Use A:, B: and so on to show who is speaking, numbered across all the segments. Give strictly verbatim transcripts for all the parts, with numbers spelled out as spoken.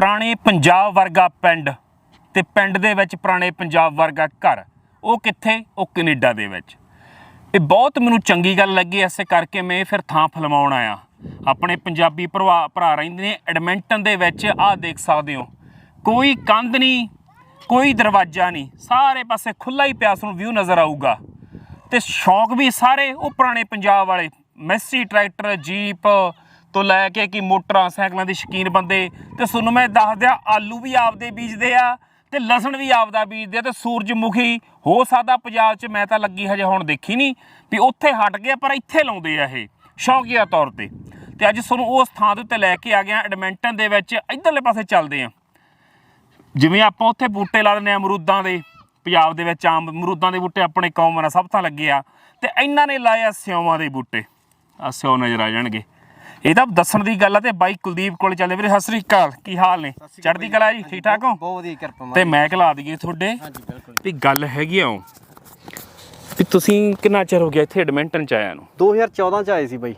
A: ਪੁਰਾਣੇ ਪੰਜਾਬ ਵਰਗਾ ਪਿੰਡ ਤੇ ਪਿੰਡ ਦੇ ਵਿੱਚ ਪੁਰਾਣੇ ਪੰਜਾਬ ਵਰਗਾ ਘਰ, ਉਹ ਕਿੱਥੇ? ਉਹ ਕੈਨੇਡਾ ਦੇ ਵਿੱਚ। ਇਹ ਬਹੁਤ ਮੈਨੂੰ ਚੰਗੀ ਗੱਲ ਲੱਗੀ, ਇਸੇ ਕਰਕੇ ਮੈਂ ਫਿਰ ਥਾਂ ਫਿਲਮਾਉਣ ਆਇਆ। ਆਪਣੇ ਪੰਜਾਬੀ ਭਰਾ ਭਰਾ ਰਹਿੰਦੇ ਨੇ ਐਡਮਿੰਟਨ ਦੇ ਵਿੱਚ। ਆਹ ਦੇਖ ਸਕਦੇ ਹੋ, ਕੋਈ ਕੰਧ ਨਹੀਂ, ਕੋਈ ਦਰਵਾਜ਼ਾ ਨਹੀਂ, ਸਾਰੇ ਪਾਸੇ ਖੁੱਲ੍ਹਾ ਹੀ ਪਿਆ ਤੁਹਾਨੂੰ ਵਿਊ ਨਜ਼ਰ ਆਊਗਾ। ਤੇ ਸ਼ੌਂਕ ਵੀ ਸਾਰੇ ਉਹ ਪੁਰਾਣੇ ਪੰਜਾਬ ਵਾਲੇ, ਮੈਸੀ ਟਰੈਕਟਰ, ਜੀਪ ਤੋਂ ਲੈ ਕੇ ਕਿ ਮੋਟਰਾਂ ਸਾਈਕਲਾਂ ਦੇ ਸ਼ੌਕੀਨ ਬੰਦੇ। ਤੇ ਤੁਹਾਨੂੰ ਮੈਂ ਦੱਸ ਦਿਆਂ, ਆਲੂ ਵੀ ਆਪਦੇ ਬੀਜਦੇ ਆ ਤੇ ਲਸਣ ਵੀ ਆਪਦਾ ਬੀਜਦੇ ਆ। ਤੇ ਸੂਰਜਮੁਖੀ ਹੋ ਸਕਦਾ ਪੰਜਾਬ 'ਚ, ਮੈਂ ਤਾਂ ਲੱਗੀ ਹਜੇ ਹੁਣ ਦੇਖੀ ਨਹੀਂ ਵੀ ਉੱਥੇ ਹਟ ਗਿਆ, ਪਰ ਇੱਥੇ ਲਾਉਂਦੇ ਆ ਇਹ ਸ਼ੌਕੀਆ ਤੌਰ 'ਤੇ। ਤੇ ਅੱਜ ਤੁਹਾਨੂੰ ਉਸ ਥਾਂ ਦੇ ਉੱਤੇ ਲੈ ਕੇ ਆ ਗਿਆ ਐਡਮਿੰਟਨ ਦੇ ਵਿੱਚ। ਇੱਧਰਲੇ ਪਾਸੇ ਚੱਲਦੇ ਆ। ਜਿਵੇਂ ਆਪਾਂ ਉੱਥੇ ਬੂਟੇ ਲਾ ਦਿੰਦੇ ਹਾਂ ਅਮਰੂਦਾਂ ਦੇ, ਪੰਜਾਬ ਦੇ ਵਿੱਚ ਆਮ ਅਮਰੂਦਾਂ ਦੇ ਬੂਟੇ ਆਪਣੇ ਕੌਮ ਨਾਲ ਸਭ ਤੋਂ ਲੱਗੇ ਆ। ਤੇ ਇਹਨਾਂ ਨੇ ਲਾਏ ਆ ਸਿਉਂਾਂ ਦੇ ਬੂਟੇ। ਆ ਸਿਉਂ ਨਜ਼ਰ ਆ ਜਾਣਗੇ। ਇਹ ਤਾਂ ਦੱਸਣ ਦੀ ਗੱਲ ਆ। ਤੇ ਬਾਈ ਕੁਲਦੀਪ ਕੋਲ ਚੱਲੇ। ਵੀਰੇ ਸਤਿ ਸ੍ਰੀ ਅਕਾਲ, ਕੀ ਹਾਲ ਨੇ? ਚੜ੍ਹਦੀ ਕਲਾ ਜੀ, ਠੀਕ ਠਾਕ ਹੋ?
B: ਬਹੁਤ ਵਧੀਆ, ਕਿਰਪਾ।
A: ਤੇ ਮੈਂ ਖਿਲਾ ਦਈਏ ਤੁਹਾਡੇ ਵੀ ਗੱਲ ਹੈਗੀ ਆ ਵੀ ਤੁਸੀਂ ਕਿੰਨਾ ਚਿਰ ਹੋ ਗਿਆ ਇੱਥੇ ਐਡਮਿੰਟਨ 'ਚ ਆਇਆ ਨੂੰ?
B: ਦੋ ਹਜ਼ਾਰ ਚੌਦਾਂ 'ਚ ਆਏ ਸੀ ਬਾਈ।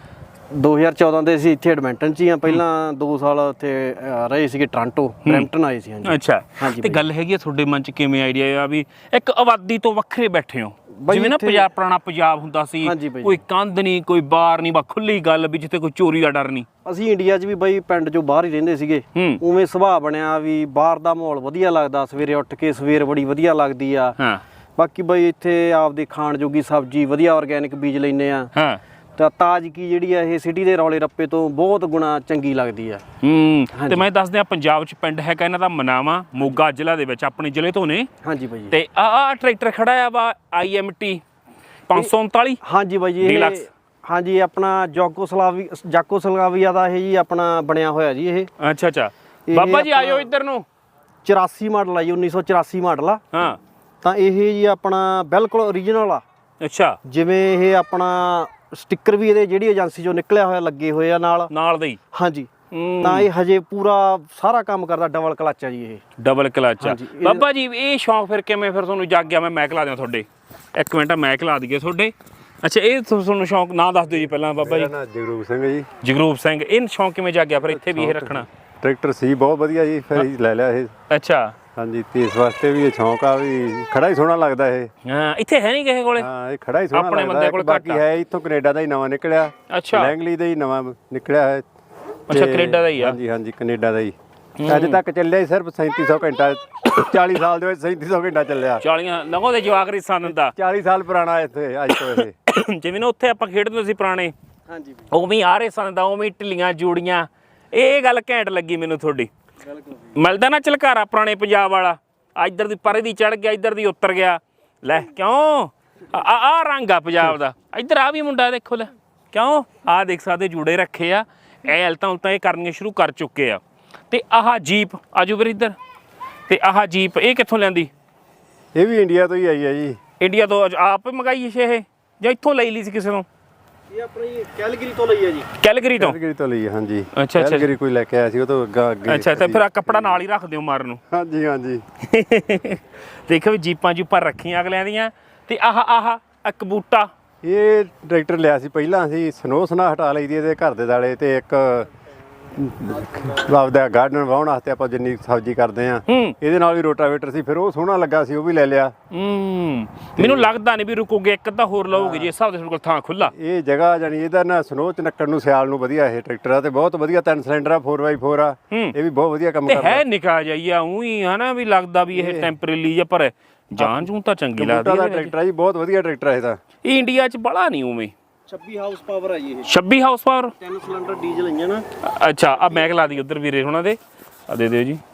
B: ਦੋ ਹਜ਼ਾਰ ਚੌਦਾਂ ਦੇ ਅਸੀਂ ਇੱਥੇ ਐਡਮਿੰਟਨ 'ਚ ਹੀ ਆ। ਪਹਿਲਾਂ ਦੋ ਸਾਲ ਉੱਥੇ ਰਹੇ ਸੀਗੇ ਟੋਰਾਂਟੋ, ਬਰੈਂਪਟਨ ਆਏ ਸੀ। ਹਾਂਜੀ
A: ਅੱਛਾ। ਤੇ ਗੱਲ ਹੈਗੀ ਆ ਤੁਹਾਡੇ ਮਨ 'ਚ ਕਿਵੇਂ ਆਈਡੀਆ ਆ ਵੀ ਇੱਕ ਆਬਾਦੀ ਤੋਂ ਵੱਖਰੇ ਬੈਠੇ ਹੋ? ਜਿਵੇਂ ਨਾ ਪੰਜਾਬ, ਪੁਰਾਣਾ ਪੰਜਾਬ ਹੁੰਦਾ ਸੀ, ਕੋਈ ਕੰਧ ਨਹੀਂ, ਕੋਈ ਬਾਰ ਨਹੀਂ, ਬਾ ਖੁੱਲੀ ਗੱਲ ਵੀ ਜਿੱਥੇ ਕੋਈ ਚੋਰੀ ਦਾ ਡਰ ਨਹੀਂ।
B: ਅਸੀਂ ਇੰਡੀਆ 'ਚ ਵੀ ਬਾਈ ਪਿੰਡ 'ਚੋਂ ਬਾਹਰ ਹੀ ਰਹਿੰਦੇ ਸੀਗੇ। ਉਵੇਂ ਸੁਭਾਅ ਬਣਿਆ ਵੀ ਬਾਹਰ ਦਾ ਮਾਹੌਲ ਵਧੀਆ ਲੱਗਦਾ। ਸਵੇਰੇ ਉੱਠ ਕੇ ਸਵੇਰ ਬੜੀ ਵਧੀਆ ਲੱਗਦੀ ਆ। ਬਾਕੀ ਬਾਈ ਇੱਥੇ ਆਪਦੇ ਖਾਣ ਜੋਗੀ ਸਬਜ਼ੀ ਵਧੀਆ ਆਰਗੈਨਿਕ ਬੀਜ ਲੈਂਦੇ ਆ। ਤਾਂ ਤਾਜ਼ਗੀ ਜਿਹੜੀ ਆ ਇਹ ਸਿਟੀ ਦੇ ਰੌਲੇ ਰੱਪੇ ਤੋਂ ਬਹੁਤ ਗੁਣਾ ਚੰਗੀ ਲੱਗਦੀ ਆ।
A: ਹੂੰ। ਤੇ ਮੈਂ ਦੱਸ ਦਿਆਂ, ਪੰਜਾਬ 'ਚ ਪਿੰਡ ਹੈਗਾ ਇਹਨਾਂ ਦਾ ਮਨਾਵਾ, ਮੋਗਾ ਜ਼ਿਲ੍ਹਾ ਦੇ ਵਿੱਚ, ਆਪਣੇ ਜ਼ਿਲ੍ਹੇ ਤੋਂ ਨੇ। ਹਾਂਜੀ ਬਾਈ। ਤੇ ਆ ਆ ਟਰੈਕਟਰ ਖੜਾ ਆ ਵਾ ਆਈ ਐਮ ਟੀ ਪੰਜ ਸੌ ਉਨਤਾਲੀ।
B: ਹਾਂਜੀ ਬਾਈ ਜੀ, ਇਹ ਹਾਂਜੀ ਆਪਣਾ ਜਾਕੋਸਲਾਵੀ ਜਾਕੋਸਲਾਵੀਆ ਦਾ ਇਹ ਜੀ ਆਪਣਾ ਬਣਿਆ ਹੋਇਆ ਜੀ ਇਹ।
A: ਅੱਛਾ ਅੱਛਾ। ਬਾਬਾ ਜੀ ਆਇਓ ਇੱਧਰ ਨੂੰ।
B: ਚੁਰਾਸੀ ਮਾਡਲ ਆ ਜੀ, ਉੱਨੀ ਸੌ ਚੁਰਾਸੀ ਮਾਡਲ ਆ। ਹਾਂ। ਤਾਂ ਇਹ ਜੀ ਆਪਣਾ ਬਿਲਕੁਲ ਓਰੀਜਨਲ ਆ। ਅੱਛਾ। ਜਿਵੇਂ ਇਹ ਆਪਣਾ ਸਟicker ਵੀ ਇਹਦੇ ਜਿਹੜੀ ਏਜੰਸੀ ਚੋਂ ਨਿਕਲਿਆ ਹੋਇਆ ਲੱਗੇ ਹੋਏ ਆ ਨਾਲ ਨਾਲ ਦੇ ਹੀ। ਹਾਂਜੀ। ਤਾਂ ਇਹ ਹਜੇ ਪੂਰਾ ਸਾਰਾ ਕੰਮ ਕਰਦਾ। ਡਬਲ ਕਲਚ ਆ ਜੀ ਇਹ। ਡਬਲ ਕਲਚ ਆ।
A: ਬਾਬਾ ਜੀ ਇਹ ਸ਼ੌਂਕ ਫਿਰ ਕਿਵੇਂ ਫਿਰ ਤੁਹਾਨੂੰ ਜਾਗ ਗਿਆ? ਮੈਂ ਮੈਕ ਲਾ ਦਿਆਂ ਤੁਹਾਡੇ, ਇੱਕ ਮਿੰਟ ਮੈਕ ਲਾ ਦਈਏ ਤੁਹਾਡੇ। ਅੱਛਾ, ਇਹ ਤੁਹਾਨੂੰ ਸ਼ੌਂਕ ਨਾਂ ਦੱਸ ਦਿਓ ਜੀ ਪਹਿਲਾਂ ਬਾਬਾ ਜੀ।
C: ਜਗਰੂਪ ਸਿੰਘ ਜੀ।
A: ਜਗਰੂਪ ਸਿੰਘ। ਇਹ ਸ਼ੌਂਕ ਕਿਵੇਂ ਜਾਗਿਆ ਫਿਰ ਇੱਥੇ ਵੀ ਇਹ ਰੱਖਣਾ?
C: ਟਰੈਕਟਰ ਸੀ ਬਹੁਤ ਵਧੀਆ ਜੀ, ਫਿਰ ਲੈ ਲਿਆ ਇਹ। ਅੱਛਾ। ਹਾਂਜੀ, ਤੇ ਇਸ ਵਾਸਤੇ ਵੀ ਇਹ ਸ਼ੌਂਕ ਆ ਵੀ ਖੜਾ ਹੀ ਸੋਹਣਾ ਲੱਗਦਾ ਇਹ।
A: ਹਾਂ, ਇੱਥੇ ਹੈ ਨਹੀਂ ਕਿਸੇ ਕੋਲੇ।
C: ਹਾਂ, ਇਹ ਖੜਾ ਹੀ ਸੋਹਣਾ ਲੱਗਦਾ। ਆਪਣੇ ਬੰਦੇ ਕੋਲ ਬਾਕੀ ਹੈ ਇੱਥੋਂ ਕੈਨੇਡਾ ਦਾ ਹੀ ਨਵਾਂ ਨਿਕਲਿਆ। ਅੱਛਾ। ਲੈਂਗਲੀ ਦਾ ਹੀ ਨਵਾਂ ਨਿਕਲਿਆ ਹੈ।
A: ਅੱਛਾ, ਕੈਨੇਡਾ ਦਾ ਹੀ ਆ?
C: ਹਾਂਜੀ ਹਾਂਜੀ, ਕੈਨੇਡਾ ਦਾ ਹੀ। ਅੱਜ ਤੱਕ ਚੱਲਿਆ ਹੀ ਸਿਰਫ ਸੈਂਤੀ ਸੌ ਘੰਟਾ। ਚਾਲੀ ਸਾਲ ਦੇ ਵਿੱਚ ਸੈਂਤੀ ਸੌ ਘੰਟਾ ਚੱਲਿਆ।
A: ਚਾਲੀਆਂ ਲੰਘੋ ਦੇ ਜਵਾਕ ਰਿਸਾਨ ਦਾ।
C: ਚਾਲੀ ਸਾਲ ਪੁਰਾਣਾ ਇੱਥੇ ਅੱਜ ਤੋਂ ਇਹ।
A: ਜਿਵੇਂ ਨਾ ਉੱਥੇ ਆਪਾਂ ਖੇਡਦੇ ਸੀ ਪੁਰਾਣੇ, ਉਹ ਵੀ ਆ ਰਹੇ ਸਨ ਦਾ, ਉਵੇਂ ਢਿੱਲੀਆਂ ਜੂੜੀਆਂ। ਇਹ ਗੱਲ ਘੈਂਟ ਲੱਗੀ ਮੈਨੂੰ ਤੁਹਾਡੀ। ਮਿਲਦਾ ਨਾ ਝਲਕਾਰਾ ਪੁਰਾਣੇ ਪੰਜਾਬ ਵਾਲਾ। ਇੱਧਰ ਦੀ ਪਰੇ ਦੀ ਚੜ ਗਿਆ, ਇੱਧਰ ਦੀ ਉਤਰ ਗਿਆ। ਲੈ ਕਿਉਂ ਆ ਆ ਰੰਗ ਆ ਪੰਜਾਬ ਦਾ। ਇੱਧਰ ਆ ਵੀ ਮੁੰਡਾ ਦੇਖੋ, ਲੈ ਕਿਉਂ ਆਹ ਦੇਖ ਸਕਦੇ ਜੂੜੇ ਰੱਖੇ ਆ। ਇਹ ਹਲਤਾਂ ਉਲਤਾਂ ਇਹ ਕਰਨੀਆਂ ਸ਼ੁਰੂ ਕਰ ਚੁੱਕੇ ਆ। ਤੇ ਆਹ ਜੀਪ ਆਜੂ ਵੀਰ ਇੱਧਰ। ਤੇ ਆਹ ਜੀਪ ਇਹ ਕਿੱਥੋਂ ਲੈਂਦੀ?
C: ਇਹ ਵੀ ਇੰਡੀਆ ਤੋਂ ਹੀ ਆਈ ਆ ਜੀ।
A: ਇੰਡੀਆ ਤੋਂ ਆਪ ਮੰਗਾਈ ਇਹ ਜਾਂ ਇੱਥੋਂ ਲਈ ਲਈ ਸੀ ਕਿਸੇ ਤੋਂ?
B: ਇਹ ਆਪਣੀ ਕੈਲਗਰੀ ਤੋਂ ਲਈ ਆ ਜੀ।
A: ਕੈਲਗਰੀ ਤੋਂ?
C: ਕੈਲਗਰੀ ਤੋਂ ਲਈ ਆ। ਹਾਂਜੀ।
A: ਅੱਛਾ ਅੱਛਾ।
C: ਕੈਲਗਰੀ ਕੋਈ ਲੈ ਕੇ ਆਇਆ ਸੀ, ਉਹ ਤੋਂ ਅੱਗੇ।
A: ਅੱਛਾ। ਤੇ ਫਿਰ ਆ ਕੱਪੜਾ ਨਾਲ ਹੀ ਰੱਖ ਦਿਓ ਮਾਰਨ ਨੂੰ।
C: ਹਾਂਜੀ ਹਾਂਜੀ।
A: ਦੇਖੋ ਵੀ ਜੀਪਾਂ ਜੂਪਾਂ ਰੱਖੀਆਂ ਅਗਲਿਆਂ ਦੀਆਂ। ਤੇ ਆਹ ਆਹ ਇੱਕ ਬੂਟਾ,
C: ਇਹ ਟਰੈਕਟਰ ਲਿਆ ਸੀ ਪਹਿਲਾਂ। ਅਸੀਂ ਸਨੋ ਸਨਾ ਹਟਾ ਲਈ ਦੀ ਇਹਦੇ ਘਰ ਦੇ ਦਾਲੇ। ਤੇ ਇੱਕ ਆਪਦਾ ਗਾਰਡਨ ਵਾਹੁਣ ਵਾਸਤੇ ਆਪਾਂ ਜਿੰਨੀ ਸਬਜ਼ੀ ਕਰਦੇ ਆ, ਇਹਦੇ ਨਾਲ ਵੀ ਰੋਟਾਵੇਟਰ ਸੀ। ਫਿਰ ਉਹ ਸੋਹਣਾ ਲੱਗਾ ਸੀ, ਉਹ ਵੀ ਲੈ ਲਿਆ।
A: ਹੂੰ। ਮੈਨੂੰ ਲੱਗਦਾ ਨਹੀਂ ਵੀ ਰੁਕੋਗੇ, ਇੱਕ ਅੱਧਾ ਹੋਰ ਲਓਗੇ ਜੀ। ਇਸ ਹਿਸਾਬ ਦੇ ਤੁਹਾਡੇ ਕੋਲ ਥਾਂ ਖੁੱਲਾ।
C: ਇਹ ਜਗ੍ਹਾ ਜਾਨੀ ਇਹਦਾ ਨਾ ਸਨੋ ਚ ਨੱਕਣ ਨੂੰ ਸਿਆਲ ਨੂੰ ਵਧੀਆ ਇਹ ਟਰੈਕਟਰ ਆ। ਤੇ ਬਹੁਤ ਵਧੀਆ ਤਿੰਨ ਸਿਲੰਡਰ ਆ, ਫੋਰ ਬਾਈ ਫੋਰ ਆ। ਇਹ ਵੀ ਬਹੁਤ ਵਧੀਆ ਕੰਮ ਕਰਦਾ
A: ਹੈ। ਨਿਕਾ ਜਾਈਆ ਉਹੀ ਹਨਾ ਵੀ ਲੱਗਦਾ ਵੀ ਇਹ ਟੈਂਪਰੇਰੀ ਜਾਂ, ਪਰ ਜਾਨ ਜੂਨ ਤਾਂ ਚੰਗੀ ਲੱਗਦੀ
C: ਹੈ। ਟਰੈਕਟਰ ਆ ਜੀ, ਬਹੁਤ ਵਧੀਆ ਟਰੈਕਟਰ ਹੈ ਇਹਦਾ।
A: ਇਹ ਇੰਡੀਆ ਚ ਬੜਾ ਨਹੀਂ ਉਵੇਂ।
B: ਛੱਬੀ ਹਾਊਸ ਪਾਵਰ ਆ ਜੀ ਇਹ।
A: ਛੱਬੀ ਹਾਊਸ ਪਾਵਰ,
B: ਤਿੰਨ ਸਿਲੰਡਰ ਡੀਜ਼ਲ ਇੰਜਨ ਆ।
A: ਅੱਛਾ। ਆ ਮੈਕ ਲਾ ਦੀ ਉਧਰ ਵੀਰੇ ਹੁਣਾਂ ਦੇ, ਆ ਦੇ ਦਿਓ ਜੀ।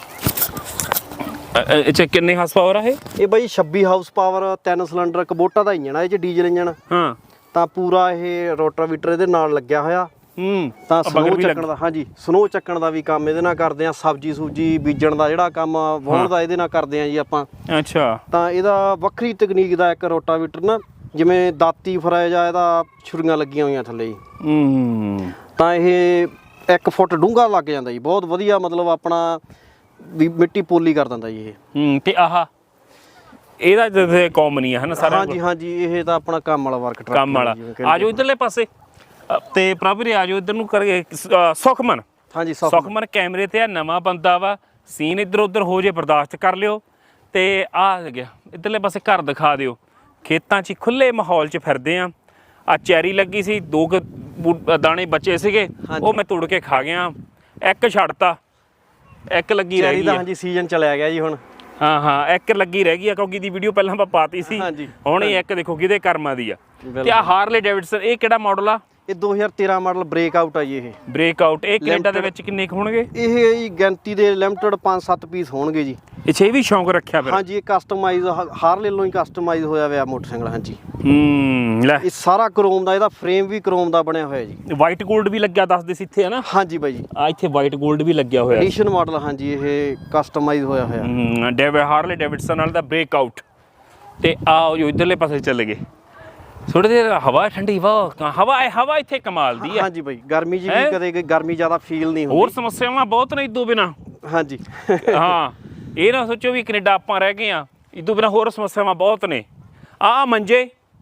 A: ਅੱਛਾ, ਕਿੰਨੇ ਹਾਊਸ ਪਾਵਰ ਆ ਇਹ? ਇਹ
B: ਬਾਈ ਛੱਬੀ ਹਾਊਸ ਪਾਵਰ, ਤਿੰਨ ਸਿਲੰਡਰ, ਕਬੋਟਾ ਦਾ ਇੰਜਨ ਆ ਇਹ ਚ, ਡੀਜ਼ਲ ਇੰਜਨ। ਹਾਂ। ਤਾਂ ਪੂਰਾ ਇਹ ਰੋਟਾਵੀਟਰ ਇਹਦੇ ਨਾਲ ਲੱਗਿਆ ਹੋਇਆ। ਹੂੰ। ਤਾਂ ਸਨੋ ਚੱਕਣ ਦਾ, ਹਾਂਜੀ ਸਨੋ ਚੱਕਣ ਦਾ ਵੀ ਕੰਮ ਇਹਦੇ ਨਾਲ ਕਰਦੇ ਆ। ਸਬਜ਼ੀ ਸੂਜੀ ਬੀਜਣ ਦਾ ਜਿਹੜਾ ਕੰਮ ਵਾਹੁਣ ਦਾ ਇਹਦੇ ਨਾਲ ਕਰਦੇ ਆ ਜੀ ਆਪਾਂ। ਅੱਛਾ। ਤਾਂ ਇਹਦਾ ਵੱਖਰੀ ਤਕਨੀਕ ਦਾ ਇੱਕ ਰੋਟਾਵੀਟਰ ਨਾ, ਜਿਵੇਂ ਦਾਤੀ ਫਰਾਇਜ ਆ, ਇਹਦਾ ਛੁਰੀਆਂ ਲੱਗੀਆਂ ਹੋਈਆਂ ਥੱਲੇ ਜੀ। ਹੂੰ। ਤਾਂ ਇਹ ਇੱਕ ਫੁੱਟ ਡੂੰਘਾ ਲੱਗ ਜਾਂਦਾ ਜੀ। ਬਹੁਤ ਵਧੀਆ, ਮਤਲਬ ਆਪਣਾ ਵੀ ਮਿੱਟੀ ਪੋਲੀ ਕਰ ਦਿੰਦਾ ਜੀ ਇਹ। ਹੂੰ।
A: ਤੇ ਆਹ ਇਹਦਾ ਜਿਵੇਂ ਕਾਮਨ ਹੀ ਆ ਹਨਾ ਸਾਰਾ?
B: ਹਾਂਜੀ ਹਾਂਜੀ, ਇਹ ਤਾਂ ਆਪਣਾ ਕੰਮ ਵਾਲਾ ਵਰਕ
A: ਕੰਮ ਵਾਲਾ। ਆਜੋ ਇੱਧਰਲੇ ਪਾਸੇ। ਤੇ ਪ੍ਰਭ ਵੀਰੇ ਆਜੋ ਇੱਧਰ ਨੂੰ ਕਰੀਏ। ਸੁਖਮਨ
B: ਹਾਂਜੀ ਸੁਖਮਨ
A: ਸੁਖਮਨ ਕੈਮਰੇ ਤੇ ਆ, ਨਵਾਂ ਬੰਦਾ ਵਾ, ਸੀਨ ਇੱਧਰ ਉੱਧਰ ਹੋ ਜੇ ਬਰਦਾਸ਼ਤ ਕਰ ਲਿਓ। ਤੇ ਆ ਗਿਆ ਇੱਧਰਲੇ ਪਾਸੇ ਘਰ ਦਿਖਾ ਦਿਓ। ਖੇਤਾਂ 'ਚ ਖੁੱਲੇ ਮਾਹੌਲ 'ਚ ਫਿਰਦੇ ਆ। ਆ ਚੈਰੀ ਲੱਗੀ ਸੀ, ਦੋ ਕੁ ਬੂ- ਦਾਣੇ ਬਚੇ ਸੀਗੇ, ਉਹ ਮੈਂ ਤੋੜ ਕੇ ਖਾ ਗਿਆ। ਇੱਕ ਛੱਡਤਾ, ਇੱਕ ਲੱਗੀ ਰਹਿ
B: ਚੈਰੀ
A: ਗਈ
B: ਦਾ
A: ਆ।
B: ਹਾਂਜੀ ਸੀਜ਼ਨ ਚਲਿਆ ਗਿਆ ਜੀ ਹੁਣ।
A: ਹਾਂ ਹਾਂ ਇੱਕ ਲੱਗੀ ਰਹਿ ਗਈ ਆ, ਕਿਉਂਕਿ ਦੀ ਵੀਡੀਓ ਪਹਿਲਾਂ ਆਪਾਂ ਪਾਤੀ ਸੀ।
B: ਹਾਂਜੀ।
A: ਹੁਣ ਇਹ ਇੱਕ ਦੇਖੋ ਕਿਹਦੇ ਕਰਮਾਂ ਦੀ ਆ। ਤੇ
B: ਬਿਲਕੁਲ।
A: ਆ ਹਾਰਲੇ ਡੇਵਿਡਸਨ, ਇਹ ਕਿਹੜਾ ਮਾਡਲ ਆ?
B: ਇਹ ਦੋ ਹਜ਼ਾਰ ਤੇਰਾਂ ਮਾਡਲ ਬ੍ਰੇਕ ਆਊਟ ਆ ਜੀ। ਇਹ
A: ਬ੍ਰੇਕ ਆਊਟ। ਇਹ ਕੈਨੇਡਾ ਦੇ ਵਿੱਚ ਕਿੰਨੇ ਕੁ ਹੋਣਗੇ?
B: ਇਹ ਜੀ ਗਿਣਤੀ ਦੇ ਲਿਮਟਿਡ ਪੰਜ ਸੱਤ ਪੀਸ ਹੋਣਗੇ ਜੀ।
A: ਅੱਛਾ, ਇਹ ਵੀ ਸ਼ੌਂਕ ਰੱਖਿਆ ਫਿਰ?
B: ਹਾਂਜੀ, ਇਹ ਕਸਟਮਾਈਜ਼ ਹਾਰਲੇ ਵੱਲੋਂ ਹੀ ਕਸਟਮਾਈਜ਼ ਹੋਇਆ ਹੋਇਆ ਮੋਟਰਸਾਈਕਲ। ਹਾਂਜੀ
A: ਹੂੰ ਲੈ,
B: ਇਹ ਸਾਰਾ ਕਰੋਮ ਦਾ, ਇਹਦਾ ਫਰੇਮ ਵੀ ਕਰੋਮ ਦਾ ਬਣਿਆ ਹੋਇਆ ਜੀ।
A: ਵਾਈਟ 골ਡ ਵੀ ਲੱਗਿਆ ਦੱਸਦੇ ਸੀ ਇੱਥੇ, ਹੈ ਨਾ?
B: ਹਾਂਜੀ ਬਾਈ ਜੀ,
A: ਆ ਇੱਥੇ ਵਾਈਟ 골ਡ ਵੀ ਲੱਗਿਆ ਹੋਇਆ।
B: Edition model. ਹਾਂਜੀ, ਇਹ ਕਸਟਮਾਈਜ਼ ਹੋਇਆ ਹੋਇਆ।
A: ਹੂੰ ਡੇਵਿਡ ਹਾਰਲੇ ਡੇਵਿਡਸਨ ਨਾਲ ਦਾ ਬ੍ਰੇਕ ਆਊਟ। ਤੇ ਆਓ ਜੋ ਇਧਰਲੇ ਪਾਸੇ ਚੱਲ ਗਏ। ਥੋੜੀ ਦੇਰ ਹਵਾ ਠੰਡੀ ਵਾ, ਹਵਾ ਹਵਾ ਇੱਥੇ ਕਮਾਲ ਦੀ ਆ।
B: ਹਾਂਜੀ ਬਾਈ, ਗਰਮੀ ਜੀ ਵੀ ਕਦੇ ਗਰਮੀ ਜ਼ਿਆਦਾ ਫੀਲ ਨਹੀਂ ਹੁੰਦੀ।
A: ਹੋਰ ਸਮੱਸਿਆਵਾਂ ਬਹੁਤ ਨੇ ਇਦੋਂ ਬਿਨਾ।
B: ਹਾਂਜੀ
A: ਹਾਂ, ਇਹ ਨਾ ਸੋਚੋ ਵੀ ਕੈਨੇਡਾ ਆਪਾਂ ਰਹਿ ਗਏ ਆ, ਇਦੋਂ ਬਿਨਾ ਹੋਰ ਸਮੱਸਿਆਵਾਂ ਬਹੁਤ ਨੇ। ਆ ਮੰਜੇ,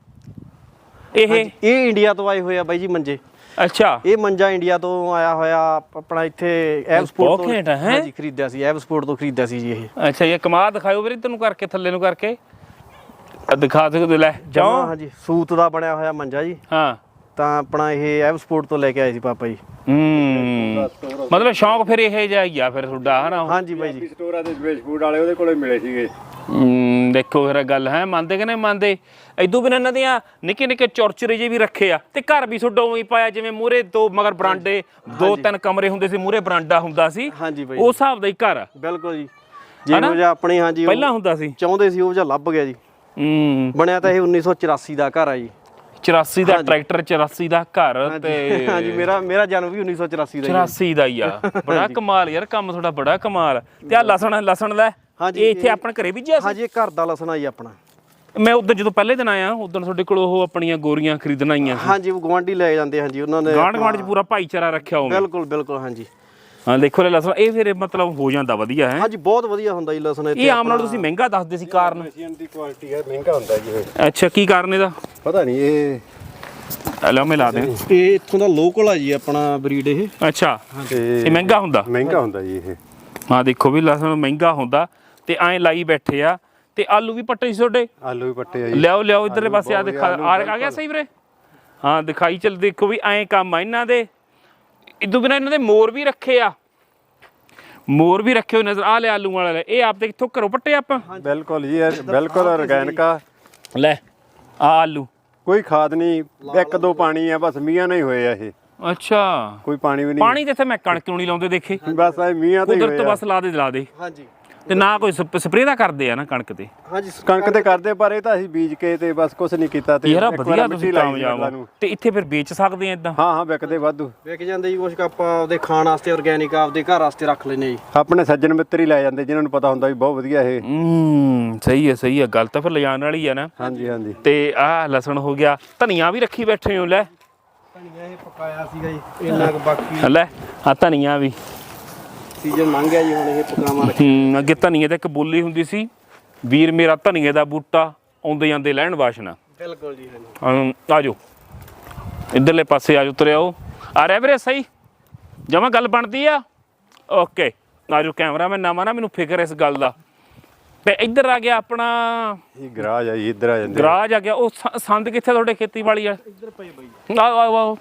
A: ਇਹ
B: ਇਹ ਇੰਡੀਆ ਤੋਂ ਆਏ ਹੋਏ ਆ ਬਾਈ ਜੀ ਮੰਜੇ।
A: ਅੱਛਾ,
B: ਇਹ ਮੰਜਾ ਇੰਡੀਆ ਤੋਂ ਆਇਆ ਹੋਇਆ, ਆਪਣਾ ਇੱਥੇ ਐਵਸਪੋਰਟ ਤੋਂ।
A: ਬਹੁਤ ਘੈਂਟ ਆ, ਹੈਂ?
B: ਹਾਂਜੀ, ਖਰੀਦਿਆ ਸੀ, ਐਵਸਪੋਰਟ ਤੋਂ ਖਰੀਦਿਆ ਸੀ ਜੀ ਇਹ।
A: ਅੱਛਾ, ਇਹ ਕਮਾ ਦਿਖਾਇਓ ਵੀਰੇ ਤੈਨੂੰ ਕਰਕੇ, ਥੱਲੇ ਨੂੰ ਕਰਕੇ ਆਹ ਦਿਖਾ ਸਕਦੇ ਲੈ
B: ਜਮਾਂ
A: ਜਾਓ।
B: ਹਾਂਜੀ, ਸੂਤ ਦਾ ਬਣਿਆ ਹੋਇਆ ਮੰਜਾ ਜੀ।
A: ਹਾਂ,
B: ਤਾਂ ਆਪਣਾ ਇਹ ਐਵਸਪੋਰਟ ਤੋਂ ਲੈ ਕੇ ਆਏ ਸੀ ਪਾਪਾ ਜੀ।
A: ਹੂੰ ਮਤਲਬ ਸ਼ੌਂਕ ਫਿਰ ਇਹ ਜਿਹਾ ਹੀ ਆ ਫਿਰ ਤੁਹਾਡਾ, ਹੈ ਨਾ?
B: ਹਾਂਜੀ ਬਾਈ ਜੀ,
C: ਸਟੋਰਾਂ ਦੇ ਸਪੇਸ ਫੂਡ ਵਾਲੇ ਉਹਦੇ ਕੋਲੇ ਮਿਲੇ ਸੀਗੇ।
A: ਹੂੰ ਦੇਖੋ ਫਿਰ ਗੱਲ ਹੈ, ਮੰਨਦੇ ਕਿ ਨਹੀਂ ਮੰਨਦੇ? ਇਦੋਂ ਬਿਨਾਂ ਇਹਨਾਂ ਦੀਆਂ ਨਿੱਕੇ ਨਿੱਕੇ ਚੌਰਚਰੇ ਜਿਹੇ ਵੀ ਰੱਖੇ ਆ। ਤੇ ਘਰ ਵੀ ਤੁਹਾਡਾ ਉਵੇਂ ਪਾਇਆ ਜਿਵੇਂ ਮੂਹਰੇ ਦੋ ਮਗਰ ਬਰਾਂਡੇ, ਦੋ ਤਿੰਨ ਕਮਰੇ ਹੁੰਦੇ ਸੀ, ਮੂਹਰੇ ਬਰਾਂਡਾ ਹੁੰਦਾ ਸੀ।
B: ਹਾਂਜੀ ਬਾਈ,
A: ਉਸ ਹਿਸਾਬ ਦਾ ਹੀ ਘਰ ਆ।
B: ਬਿਲਕੁਲ ਜੀ, ਜਿਹੋ ਜਿਹਾ ਆਪਣੀ ਹਾਂਜੀ
A: ਪਹਿਲਾਂ ਹੁੰਦਾ ਸੀ।
B: ਚਾਹੁੰਦੇ ਸੀ ਉਹ ਜਿਹਾ ਲੱਭ ਗਿਆ ਜੀ।
A: ਹੂੰ
B: ਬਣਿਆ ਤਾਂ ਇਹ ਉੱਨੀ ਸੌ ਚੁਰਾਸੀ ਦਾ ਘਰ ਆ ਜੀ।
A: ਚੁਰਾਸੀ ਦਾ ਟਰੈਕਟਰ, ਚੁਰਾਸੀ ਦਾ ਘਰ। ਤੇ
B: ਹਾਂਜੀ, ਮੇਰਾ ਮੇਰਾ ਜਨਮ ਵੀ ਉੱਨੀ ਸੌ ਚੁਰਾਸੀ ਦਾ ਹੀ ਆ।
A: ਚੁਰਾਸੀ ਦਾ ਹੀ ਆ। ਬੜਾ ਕਮਾਲ ਯਾਰ, ਕੰਮ ਤੁਹਾਡਾ ਬੜਾ ਕਮਾਲ। ਤੇ ਆ ਲਸਣ, ਲਸਣ ਲੈ
B: ਹਾਂਜੀ,
A: ਇਹ ਇੱਥੇ ਆਪਣੇ ਘਰੇ ਬੀਜਿਆ ਸੀ?
B: ਹਾਂਜੀ, ਇਹ ਘਰ ਦਾ ਲਸਣ ਆ ਜੀ ਆਪਣਾ।
A: ਮੈਂ ਉਦੋਂ ਜਦੋਂ ਪਹਿਲੇ ਦਿਨ ਆਇਆ, ਉਦੋਂ ਤੁਹਾਡੇ ਕੋਲ ਉਹ ਆਪਣੀਆਂ ਗੋਰੀਆਂ ਖਰੀਦਣ ਆਈਆਂ ਸੀ।
B: ਹਾਂਜੀ, ਉਹ ਗਵਾਂਢੀ ਲੈ ਜਾਂਦੇ। ਹਾਂਜੀ, ਉਹਨਾਂ ਨੇ
A: ਗਾਂਢ ਗਾਂਢ ਚ ਪੂਰਾ ਭਾਈਚਾਰਾ ਰੱਖਿਆ ਹੋਵੇ।
B: ਬਿਲਕੁਲ ਬਿਲਕੁਲ। ਹਾਂਜੀ
A: ਹਾਂ ਦੇਖੋ ਲੈ ਲਸਣ, ਇਹ ਫਿਰ ਮਤਲਬ ਹੋ ਜਾਂਦਾ ਵਧੀਆ ਹੈ।
B: ਹਾਂਜੀ, ਬਹੁਤ ਵਧੀਆ ਹੁੰਦਾ ਜੀ ਲਸਣ ਇੱਥੇ।
A: ਇਹ ਆਮ ਨਾਲ ਤੁਸੀਂ ਮਹਿੰਗਾ ਦੱਸਦੇ ਸੀ, ਕਾਰਨ?
C: ਏਸ਼ੀਅਨ ਦੀ ਕੁਆਲਿਟੀ ਹੈ, ਮਹਿੰਗਾ ਹੁੰਦਾ ਜੀ ਇਹ।
A: ਅੱਛਾ, ਕੀ ਕਾਰਨ ਇਹਦਾ?
C: ਪਤਾ ਨਹੀਂ, ਇਹ
A: ਲਓ ਮੈਂ ਲਾ ਦੇ।
B: ਇਹ ਇੱਥੋਂ ਦਾ ਲੋਕਲ ਆ ਜੀ ਆਪਣਾ ਬਰੀਡ ਇਹ।
A: ਅੱਛਾ,
C: ਤੇ
A: ਇਹ ਮਹਿੰਗਾ ਹੁੰਦਾ?
C: ਮਹਿੰਗਾ ਹੁੰਦਾ ਜੀ ਇਹ।
A: ਹਾਂ ਦੇਖੋ ਵੀ ਲਸਣ ਮਹਿੰਗਾ ਹੁੰਦਾ। ਤੇ ਐਂ ਲਾਈ ਬੈਠੇ ਆ। ਤੇ ਆਲੂ ਵੀ ਪੱਟੇ ਸੀ ਤੁਹਾਡੇ?
C: ਆਲੂ ਵੀ ਪੱਟੇ ਆ ਜੀ।
A: ਲਿਆਓ ਲਿਆਓ ਇਧਰਲੇ ਪਾਸੇ, ਆ ਦਿਖਾ। ਆ ਗਿਆ ਸਹੀ ਵੀਰੇ? ਹਾਂ ਦਿਖਾਈ ਚੱਲ। ਦੇਖੋ ਵੀ ਐਂ ਕੰਮ ਆ ਇਹਨਾਂ ਦੇ। ਇਦੋਂ ਬਿਨਾਂ ਇਹਨਾਂ ਦੇ ਮੋਰ ਵੀ ਰੱਖੇ ਆ, ਮੋਰ ਵੀ ਰੱਖੇ ਹੋਏ ਨਜ਼ਰ ਆ। ਲੈ ਆਲੂ ਵਾਲਾ ਲੈ, ਇਹ ਆਪ ਦੇ ਕਿੱਥੋਂ ਘਰੋਂ ਪੱਟੇ ਆਪਾਂ?
C: ਬਿਲਕੁਲ ਜੀ, ਇਹ ਬਿਲਕੁਲ ਆਰਗੈਨਿਕ ਆ।
A: ਲੈ ਆ ਆਲੂ,
C: ਕੋਈ ਖਾਦ ਨਹੀਂ, ਇੱਕ ਦੋ ਪਾਣੀ ਆ ਬਸ, ਮੀਂਹਾਂ ਨਹੀਂ ਹੋਏ ਆ ਇਹ।
A: ਅੱਛਾ,
C: ਕੋਈ ਪਾਣੀ ਵੀ ਨਹੀਂ।
A: ਪਾਣੀ ਤੇ ਇੱਥੇ ਮੈਂ ਕਣਕ ਕਿਉਂ ਨਹੀਂ ਲਾਉਂਦੇ ਦੇਖੇ?
C: ਬਸ ਇਹ ਮੀਂਹਾਂ ਤੇ ਹੀ
A: ਕੁਦਰਤ
C: ਹੋਏ ਆ।
A: ਬਸ ਲਾ ਦੇ ਲਾ ਦੇ।
B: ਹਾਂਜੀ
A: ਤੇ ਨਾ ਕੋਈ ਸਪਰੇਅ ਦਾ ਕਰਦੇ ਆ ਨਾ ਕਣਕ ਤੇ?
B: ਹਾਂਜੀ,
C: ਕਣਕ ਤੇ ਕਰਦੇ, ਪਰ ਇਹ ਤਾਂ ਅਸੀਂ ਬੀਜ ਕੇ ਤੇ ਬਸ ਕੁਝ ਨਹੀਂ ਕੀਤਾ। ਤੇ
A: ਯਾਰ
C: ਇੱਕ ਵਾਰ
A: ਵਧੀਆ
C: ਮਿੱਟੀ
A: ਤੁਸੀਂ
C: ਲਾਈ
A: ਕਾਮਯਾਬ
C: ਇਹਨਾਂ
A: ਹੋ।
C: ਨੂੰ।
A: ਤੇ ਇੱਥੇ ਫਿਰ ਵੇਚ ਸਕਦੇ ਆ ਇਦਾਂ?
C: ਹਾਂ ਹਾਂ, ਵਿਕਦੇ ਵਾਧੂ।
B: ਵਿਕ ਜਾਂਦੇ ਜੀ ਕੁਛ ਕੁ ਆਪਾਂ ਆਪਦੇ ਖਾਣ ਵਾਸਤੇ ਆਰਗੈਨਿਕ, ਆਪਦੇ ਘਰ ਵਾਸਤੇ ਰੱਖ ਲੈਨੇ ਜੀ।
C: ਆਪਣੇ ਸੱਜਣ ਮਿੱਤਰ ਹੀ ਲੈ ਜਾਂਦੇ, ਜਿਨ੍ਹਾਂ ਨੂੰ ਪਤਾ ਹੁੰਦਾ ਵੀ ਬਹੁਤ ਵਧੀਆ ਇਹ।
A: ਹੂੰ ਸਹੀ ਹੈ ਸਹੀ ਹੈ, ਗੱਲ ਤਾਂ ਫਿਰ ਲਿਜਾਣ ਵਾਲੀ ਆ ਨਾ।
C: ਹਾਂਜੀ ਹਾਂਜੀ।
A: ਤੇ ਆਹ ਲਸਣ ਹੋ ਗਿਆ, ਧਨੀਆ ਵੀ ਰੱਖੀ ਬੈਠੇ ਹੋ। ਲੈ
B: ਧਨੀਆ ਇਹ ਪਕਾਇਆ ਸੀਗਾ ਜੀ ਇੰਨਾ ਕੁ, ਬਾਕੀ
A: ਲੈ ਆ ਧਨੀਆ ਵੀ
B: ਸੀਜ਼ਨ ਲੰਘ ਗਿਆ ਜੀ, ਹੁਣ ਇਹ ਪਕਾਵਾਂ।
A: ਹੂੰ ਅੱਗੇ ਧਨੀਏ ਤੇ ਇੱਕ ਬੋਲੀ ਹੁੰਦੀ ਸੀ, ਵੀਰ ਮੇਰਾ ਧਨੀਏ ਦਾ ਬੂਟਾ ਆਉਂਦੇ ਜਾਂਦੇ ਲੈਣ ਵਾਸ਼ਨਾ।
B: ਬਿਲਕੁਲ ਜੀ, ਹਾਂਜੀ।
A: ਆ ਜਾਓ ਇੱਧਰਲੇ ਪਾਸੇ, ਆ ਜਾਓ ਤੁਰਿਆਓ। ਆ ਰਿਹਾ ਵੀਰੇ ਸਹੀ ਜਮਾਂ ਗੱਲ ਬਣਦੀ ਆ? ਓਕੇ ਆ ਜਾਓ। ਕੈਮਰਾ ਮੈਂ ਨਵਾਂ ਨਾ, ਮੈਨੂੰ ਫਿਕਰ ਇਸ ਗੱਲ ਦਾ। ਤੇ ਇੱਧਰ ਆ ਗਿਆ ਆਪਣਾ
C: ਇਹ ਗਰਾਜ ਆ ਜੀ, ਇੱਧਰ ਆ ਜਾਂਦੇ।
A: ਗਰਾਜ ਆ ਗਿਆ। ਉਹ ਸ- ਸੰਦ ਕਿੱਥੇ ਤੁਹਾਡੇ ਖੇਤੀਬਾੜੀ ਵਾਲੇ?
B: ਇੱਧਰ ਪਏ ਬਾਈ।
A: ਆਓ ਆਓ ਆਓ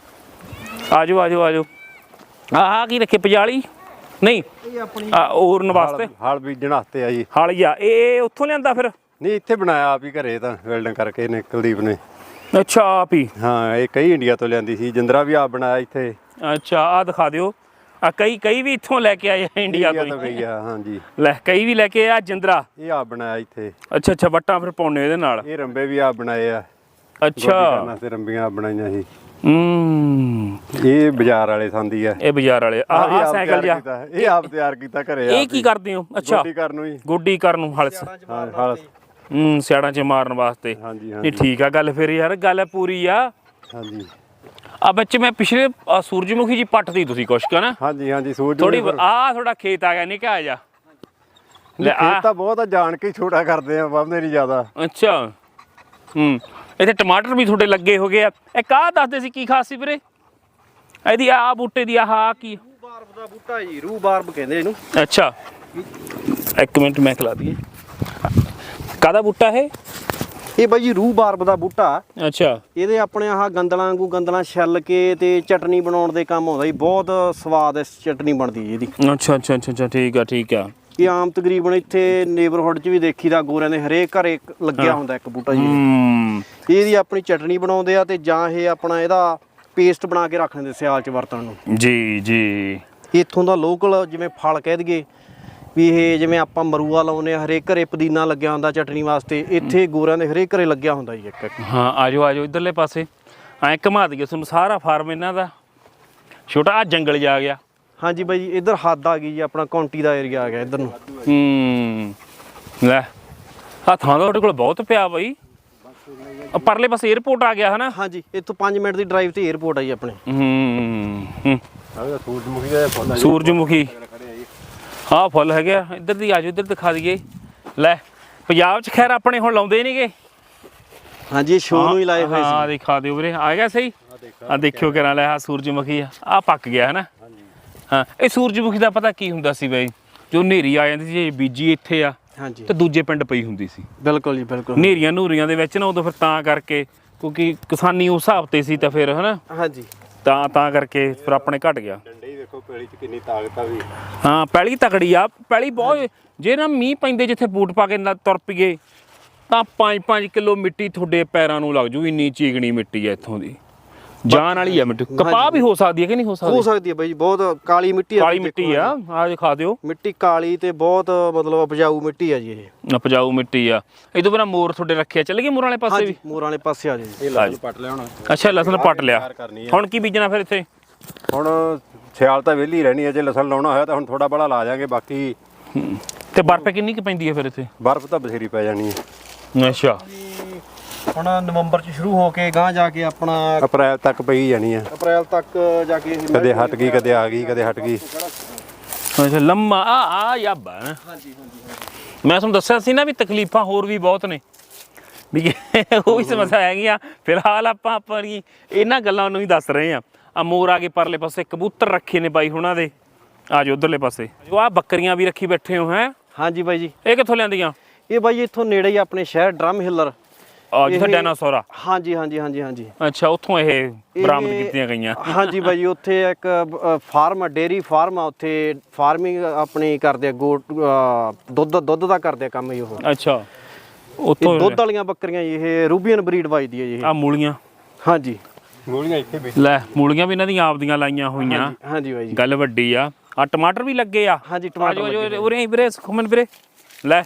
A: ਆ ਜਾਓ ਆ ਜਾਓ ਆ ਜਾਓ। ਆਹ ਕੀ ਰੱਖੇ, ਪਜਾਲੀ? ਨਹੀਂ,
B: ਇਹ ਆਪਣੀ
A: ਆ ਔਰਨ ਵਾਸਤੇ
C: ਹਾਲ ਬੀਜਣ ਵਾਸਤੇ ਆ ਜੀ।
A: ਹਾਲੀਆ। ਇਹ ਉੱਥੋਂ ਲਿਆਂਦਾ ਫਿਰ?
C: ਨਹੀਂ, ਇੱਥੇ ਬਣਾਇਆ ਆਪ ਹੀ ਘਰੇ, ਤਾਂ ਵੈਲਡਿੰਗ ਕਰਕੇ ਨੇ ਕੁਲਦੀਪ ਨੇ।
A: ਅੱਛਾ, ਆਪ ਹੀ?
C: ਹਾਂ, ਇਹ ਕਈ ਇੰਡੀਆ ਤੋਂ ਲਿਆਂਦੀ ਸੀ। ਜਿੰਦਰਾ ਵੀ ਆਪ ਬਣਾਇਆ ਇੱਥੇ।
A: ਅੱਛਾ, ਆ ਦਿਖਾ ਦਿਓ। ਆ ਕਈ ਕਈ ਵੀ ਇੱਥੋਂ ਲੈ ਕੇ ਆਏ ਆ, ਇੰਡੀਆ ਤੋਂ
C: ਤੋਂ
A: ਹੀ।
C: ਗਈ ਆ। ਹਾਂਜੀ,
A: ਲੈ ਕਈ ਵੀ ਲੈ ਕੇ ਆ। ਜਿੰਦਰਾ?
C: ਇਹ ਆਪ ਬਣਾਇਆ ਇੱਥੇ।
A: ਅੱਛਾ ਅੱਛਾ, ਵੱਟਾਂ ਫਿਰ ਪਾਉਣੇ ਇਹਦੇ ਨਾਲ?
C: ਇਹ ਰੰਬੇ ਵੀ ਆਪ ਬਣਾਏ ਆ।
A: ਅੱਛਾ,
C: ਤੇ ਰੰਬੀਆਂ ਆਪ ਬਣਾਈਆਂ ਸੀ।
A: ਹੂੰ
C: ਇਹ ਬਾਜ਼ਾਰ ਵਾਲੇ ਸੰਦੀ ਆ।
A: ਇਹ ਬਾਜ਼ਾਰ ਵਾਲੇ। ਆ
C: ਇਹ
A: ਆ
C: ਆਪ
A: ਸਾਈਕਲ
C: ਤਿਆਰ
A: ਜਿਹਾ
C: ਕੀਤਾ, ਇਹ ਆਪ ਤਿਆਰ ਕੀਤਾ ਘਰੇ।
A: ਇਹ ਕੀ ਕਰਦੇ ਹੋ? ਅੱਛਾ,
C: ਗੋਡੀ ਕਰਨ ਨੂੰ ਜੀ।
A: ਗੋਡੀ ਕਰਨ ਨੂੰ, ਹਲਸ।
C: ਹਾਂ, ਹਾਲ।
A: ਹੂੰ ਸਿਆੜਾਂ 'ਚ ਮਾਰਨ ਵਾਸਤੇ।
C: ਹਾਂਜੀ
A: ਨਹੀਂ
C: ਹਾਂਜੀ
A: ਠੀਕ ਆ ਗੱਲ ਫਿਰ ਯਾਰ, ਗੱਲ ਪੂਰੀ ਆ।
C: ਹਾਂਜੀ
A: ਆ ਬੱਚੇ ਮੈਂ ਪਿਛਲੇ ਆਹ ਸੂਰਜਮੁਖੀ ਜੀ ਪੱਟਦੀ ਤੁਸੀਂ ਕੁਛ ਕਾ ਨਾ?
C: ਹਾਂਜੀ ਹਾਂਜੀ। ਸੂਰਜ
A: ਥੋੜੀ ਆ ਥੋੜਾ ਖੇਤ ਆ ਗਿਆ ਨਿੱਕਾ ਜਿਹਾ। ਲੈ ਆ
C: ਖੇਤ ਤਾਂ ਬਹੁਤ ਆ, ਜਾਣ ਕੇ ਹੀ ਛੋਟਾ ਕਰਦੇ ਆ, ਬੰਦੇ ਨਹੀਂ ਜ਼ਿਆਦਾ।
A: ਅੱਛਾ। ਹੂੰ ਇੱਥੇ ਟਮਾਟਰ ਵੀ ਤੁਹਾਡੇ ਲੱਗੇ ਹੋ ਗਏ ਆ। ਇੱਕ ਆਹ ਦੱਸਦੇ ਸੀ ਕੀ ਖਾਸ ਸੀ ਵੀਰੇ ਇਹਦੀ? ਆ ਬੂਟੇ ਦੀ ਆਹ ਕੀ?
B: ਬਾਰਬ ਦਾ ਬੂਟਾ ਜੀ, ਰੂ ਬਾਰਬ ਕਹਿੰਦੇ ਇਹਨੂੰ।
A: ਅੱਛਾ ਇੱਕ ਮਿੰਟ ਮੈਂ ਖਿਲਾ ਦਈਏ ਕਾਹਦਾ ਬੂਟਾ ਇਹ
B: ਇਹ ਬਾਈ ਜੀ ਰੂ ਬਾਰਬ ਦਾ ਬੂਟਾ।
A: ਅੱਛਾ
B: ਇਹਦੇ ਆਪਣੇ ਆਹ ਗੰਦਲਾਂ ਵਾਂਗੂ ਗੰਦਲਾਂ ਛਿੱਲ ਕੇ ਤੇ ਚਟਨੀ ਬਣਾਉਣ ਦੇ ਕੰਮ ਆਉਂਦਾ ਜੀ। ਬਹੁਤ ਸਵਾਦ ਇਸ ਚਟਨੀ ਬਣਦੀ ਜੀ ਇਹਦੀ।
A: ਅੱਛਾ ਅੱਛਾ ਅੱਛਾ ਅੱਛਾ ਠੀਕ ਆ ਠੀਕ ਆ।
B: ਇਹ ਆਮ ਤਕਰੀਬਨ ਇੱਥੇ ਨੇਬਰਹੁੱਡ 'ਚ ਵੀ ਦੇਖੀਦਾ, ਗੋਰਿਆਂ ਦੇ ਹਰੇਕ ਘਰੇ ਲੱਗਿਆ ਹੁੰਦਾ ਇੱਕ ਬੂਟਾ ਜੀ।
A: ਹੂੰ
B: ਇਹਦੀ ਆਪਣੀ ਚਟਨੀ ਬਣਾਉਂਦੇ ਆ ਤੇ ਜਾਂ ਇਹ ਆਪਣਾ ਇਹਦਾ ਪੇਸਟ ਬਣਾ ਕੇ ਰੱਖ ਲੈਂਦੇ ਸਿਆਲ 'ਚ ਵਰਤਣ ਨੂੰ।
A: ਜੀ ਜੀ
B: ਇੱਥੋਂ ਦਾ ਲੋਕਲ ਜਿਵੇਂ ਫਲ ਕਹਿ ਦਈਏ ਵੀ ਇਹ ਜਿਵੇਂ ਆਪਾਂ ਮਰੂਆ ਲਾਉਂਦੇ ਆ, ਹਰੇਕ ਘਰੇ ਪੁਦੀਨਾ ਲੱਗਿਆ ਹੁੰਦਾ ਚਟਨੀ ਵਾਸਤੇ, ਇੱਥੇ ਗੋਰਿਆਂ ਦੇ ਹਰੇਕ ਘਰੇ ਲੱਗਿਆ ਹੁੰਦਾ ਜੀ ਇੱਕ ਇੱਕ।
A: ਹਾਂ ਆਜੋ ਆਜੋ ਇਧਰਲੇ ਪਾਸੇ ਐਂ ਘੁਮਾ ਦਈਏ ਤੁਹਾਨੂੰ ਸਾਰਾ ਫਾਰਮ ਇਹਨਾਂ ਦਾ। ਛੋਟਾ ਆ ਜੰਗਲ ਜਾ ਗਿਆ।
B: ਹਾਂਜੀ ਬਾਈ ਜੀ ਇੱਧਰ ਹੱਦ ਆ ਗਈ ਜੀ, ਆਪਣਾ ਕੌਂਟੀ ਦਾ ਏਰੀਆ ਆ ਗਿਆ ਇੱਧਰ ਨੂੰ।
A: ਹੂੰ ਲੈ ਆ ਥਾਂ ਦਾ ਤੁਹਾਡੇ ਕੋਲ ਬਹੁਤ ਪਿਆ ਬਾਈ। ਆ ਪਰਲੇ ਪਾਸੇ 에어ਪੋਰਟ ਆ ਗਿਆ ਹਨਾ।
B: ਹਾਂਜੀ ਇੱਥੋਂ ਪੰਜ ਮਿੰਟ ਦੀ ਡਰਾਈਵ ਤੇ 에어ਪੋਰਟ ਆ ਜੀ ਆਪਣੇ।
A: ਹੂੰ ਹੂੰ
C: ਆਹ ਸੂਰਜਮੁਖੀ ਦਾ ਫੁੱਲ ਆ ਜੀ।
A: ਸੂਰਜਮੁਖੀ ਹਾਂ ਫੁੱਲ ਹੈਗੇ ਆ। ਇੱਧਰ ਦੀ ਆਜੋ ਇੱਧਰ ਦਿਖਾ ਦਈਏ। ਲੈ ਪੰਜਾਬ 'ਚ ਖੈਰ ਆਪਣੇ ਹੁਣ ਲਾਉਂਦੇ ਨਹੀਂਗੇ।
B: ਹਾਂਜੀ ਸ਼ੋਅ ਨੂੰ ਹੀ ਲਾਏ ਹੋਏ ਸੀ।
A: ਹਾਂ ਦਿਖਾ ਦਿਓ ਵੀਰੇ ਆ ਗਿਆ ਸਹੀ। ਆ ਦੇਖਿਓ ਕਿਹੜਾ ਲੈ ਆ ਸੂਰਜਮੁਖੀ ਆ ਆ ਪੱਕ ਗਿਆ ਹਨਾ। ਹਾਂ ਇਹ ਸੂਰਜਮੁਖੀ ਦਾ ਪਤਾ ਕੀ ਹੁੰਦਾ ਸੀ ਬਾਈ, ਜੋ ਹਨੇਰੀ ਆ ਜਾਂਦੀ ਸੀ ਬੀਜੀ ਇੱਥੇ ਆ
B: ਹਾਂਜੀ
A: ਤੇ ਦੂਜੇ ਪਿੰਡ ਪਈ ਹੁੰਦੀ ਸੀ।
B: ਬਿਲਕੁਲ ਜੀ ਬਿਲਕੁਲ।
A: ਹਨੇਰੀਆਂ ਨੂਰੀਆਂ ਦੇ ਵਿੱਚ ਨਾ ਉਦੋਂ ਫਿਰ ਤਾਂ ਕਰਕੇ ਕਿਉਂਕਿ ਕਿਸਾਨੀ ਉਸ ਹਿਸਾਬ ਤੇ ਸੀ ਤਾਂ ਫਿਰ ਹਨਾ
B: ਹਾਂਜੀ
A: ਤਾਂ ਤਾਂ ਕਰਕੇ ਫਿਰ ਆਪਣੇ ਘਟ ਗਿਆ।
C: ਡੰਡੇ ਹੀ ਵੇਖੋ ਪੈਲੀ 'ਚ ਕਿੰਨੀ ਤਾਕਤ ਆ ਵੀ।
A: ਹਾਂ ਪੈਲੀ ਤਕੜੀ ਆ ਪੈਲੀ ਬਹੁਤ। ਜੇ ਨਾ ਮੀਂਹ ਪੈਂਦੇ ਜਿੱਥੇ ਬੂਟ ਪਾ ਕੇ ਨਾ ਤੁਰ ਪਈਏ ਤਾਂ ਪੰਜ ਪੰਜ ਕਿਲੋ ਮਿੱਟੀ ਤੁਹਾਡੇ ਪੈਰਾਂ ਨੂੰ ਲੱਗ ਜੂ। ਇੰਨੀ ਚੀਕਣੀ ਮਿੱਟੀ ਆ ਇੱਥੋਂ ਦੀ, ਜਾਨ ਵਾਲੀ ਆ ਮਿੱਟੀ। ਕਪਾਹ ਵੀ ਹੋ ਸਕਦੀ ਹੈ ਕਿ ਨਹੀਂ ਹੋ ਸਕਦੀ?
B: ਹੋ ਸਕਦੀ ਹੈ ਬਾਈ ਜੀ, ਬਹੁਤ ਕਾਲੀ ਮਿੱਟੀ ਆ।
A: ਕਾਲੀ ਮਿੱਟੀ ਆ ਆ ਦਿਖਾ ਦਿਓ।
B: ਮਿੱਟੀ ਕਾਲੀ ਤੇ ਬਹੁਤ ਮਤਲਬ ਉਪਜਾਊ ਮਿੱਟੀ ਆ ਜੀ ਇਹ।
A: ਉਪਜਾਊ ਮਿੱਟੀ ਆ। ਇਹਦੋਂ ਬਿਨਾਂ ਮੋਰ ਤੁਹਾਡੇ ਰੱਖਿਆ ਚੱਲ ਗਏ ਮੋਰਾਂ ਵਾਲੇ ਪਾਸੇ ਵੀ?
B: ਮੋਰਾਂ ਵਾਲੇ ਪਾਸੇ ਆ ਜੀ।
C: ਇਹ ਲਸਣ ਪੱਟ ਲਿਆ ਹੁਣ।
A: ਅੱਛਾ ਲਸਣ ਪੱਟ ਲਿਆ। ਹੁਣ ਕੀ ਬੀਜਣਾ ਫਿਰ ਇੱਥੇ?
C: ਹੁਣ ਸਿਆਲ ਤਾਂ ਵਿਹਲੀ ਰਹਿਣੀ ਹੈ, ਜੇ ਲਸਣ ਲਾਉਣਾ ਹੋਇਆ ਤਾਂ ਹੁਣ ਥੋੜਾ ਬੜਾ ਲਾ ਜਾਾਂਗੇ। ਬਾਕੀ
A: ਤੇ ਬਰਫ਼ ਕਿੰਨੀ ਕੁ ਪੈਂਦੀ ਹੈ ਫਿਰ ਇੱਥੇ?
C: ਬਰਫ਼ ਤਾਂ ਬਥੇਰੀ ਪੈ ਜਾਣੀ ਹੈ।
A: ਅੱਛਾ
B: ਹੁਣ ਨਵੰਬਰ ਚ ਸ਼ੁਰੂ ਹੋ ਕੇ ਗਾਂ ਜਾ ਕੇ ਆਪਣਾ
C: ਅਪ੍ਰੈਲ ਤੱਕ ਪਈ ਜਾਣੀ ਆ।
B: ਅਪ੍ਰੈਲ ਤੱਕ ਜਾ ਕੇ ਇਹ
C: ਕਦੇ ਹਟ ਗਈ ਕਦੇ ਆ ਗਈ ਕਦੇ ਹਟ ਗਈ।
A: ਅੱਛਾ ਲੰਮਾ ਆ ਆ ਯਾਬਾ।
B: ਹਾਂਜੀ ਹਾਂਜੀ
A: ਮੈਂ ਤੁਹਾਨੂੰ ਦੱਸਿਆ ਸੀ ਨਾ ਵੀ ਤਕਲੀਫਾਂ ਹੋਰ ਵੀ ਬਹੁਤ ਨੇ ਵੀ ਉਹ ਵੀ ਸਮੱਸਿਆ ਹੈਗੀਆਂ। ਫਿਲਹਾਲ ਆਪਾਂ ਆਪਣੀ ਇਹਨਾਂ ਗੱਲਾਂ ਨੂੰ ਹੀ ਦੱਸ ਰਹੇ ਆ। ਆ ਮੋਰ ਆ ਗਏ ਪਰਲੇ ਪਾਸੇ, ਕਬੂਤਰ ਰੱਖੇ ਨੇ ਬਾਈ ਹੁਣਾਂ ਦੇ। ਆ ਜਾਓ ਉਧਰਲੇ ਪਾਸੇ ਜੋ ਆ ਬੱਕਰੀਆਂ ਵੀ ਰੱਖੀ ਬੈਠੇ ਹੋ ਹੈ।
B: ਹਾਂਜੀ ਬਾਈ ਜੀ
A: ਇਹ ਕਿੱਥੋਂ ਲਿਆਂਦੀਆਂ?
B: ਇਹ ਬਾਈ ਇੱਥੋਂ ਨੇੜੇ ਹੀ ਆਪਣੇ ਸ਼ਹਿਰ ਡਰਮ ਹਿੱਲਰ।
A: ਆ ਜਿੱਥੇ ਡਾਇਨਾਸੌਰ ਆ।
B: ਹਾਂਜੀ ਹਾਂਜੀ ਹਾਂਜੀ ਹਾਂਜੀ
A: ਅੱਛਾ ਉੱਥੋਂ ਇਹ ਬਰਾਮਦ ਕੀਤੀਆਂ ਗਈਆਂ।
B: ਹਾਂਜੀ ਬਾਈ ਜੀ ਉੱਥੇ ਇੱਕ ਫਾਰਮ ਡੇਰੀ ਫਾਰਮ ਆ, ਉੱਥੇ ਫਾਰਮਿੰਗ ਆਪਣੀ ਕਰਦੇ ਆ। ਗੋਟ ਦੁੱਧ ਦੁੱਧ ਦਾ ਕਰਦੇ ਆ ਕੰਮ ਜੀ ਉਹ।
A: ਅੱਛਾ
B: ਇਹ
A: ਉੱਥੋਂ
B: ਦੁੱਧ ਵਾਲੀਆਂ ਬੱਕਰੀਆਂ ਜੀ, ਇਹ ਰੂਬੀਅਨ ਬਰੀਡ ਵੱਜਦੀ ਹੈ ਜੀ ਇਹ।
A: ਆ ਮੂਲੀਆਂ।
B: ਹਾਂਜੀ
C: ਮੂਲੀਆਂ ਇੱਥੇ ਵੀ
A: ਲੈ ਮੂਲੀਆਂ ਵੀ ਇਹਨਾਂ ਦੀਆਂ ਆਪਦੀਆਂ ਲਾਈਆਂ ਹੋਈਆਂ।
B: ਹਾਂਜੀ ਬਾਈ ਜੀ
A: ਗੱਲ ਵੱਡੀ ਆ। ਆ ਟਮਾਟਰ ਵੀ ਲੱਗੇ ਆ।
B: ਹਾਂਜੀ ਟਮਾਟਰ ਲੱਗੇ
A: ਉਰੇ ਹੀ ਵੀਰੇ ਸੁਖਮਨ ਵੀਰੇ ਲੈ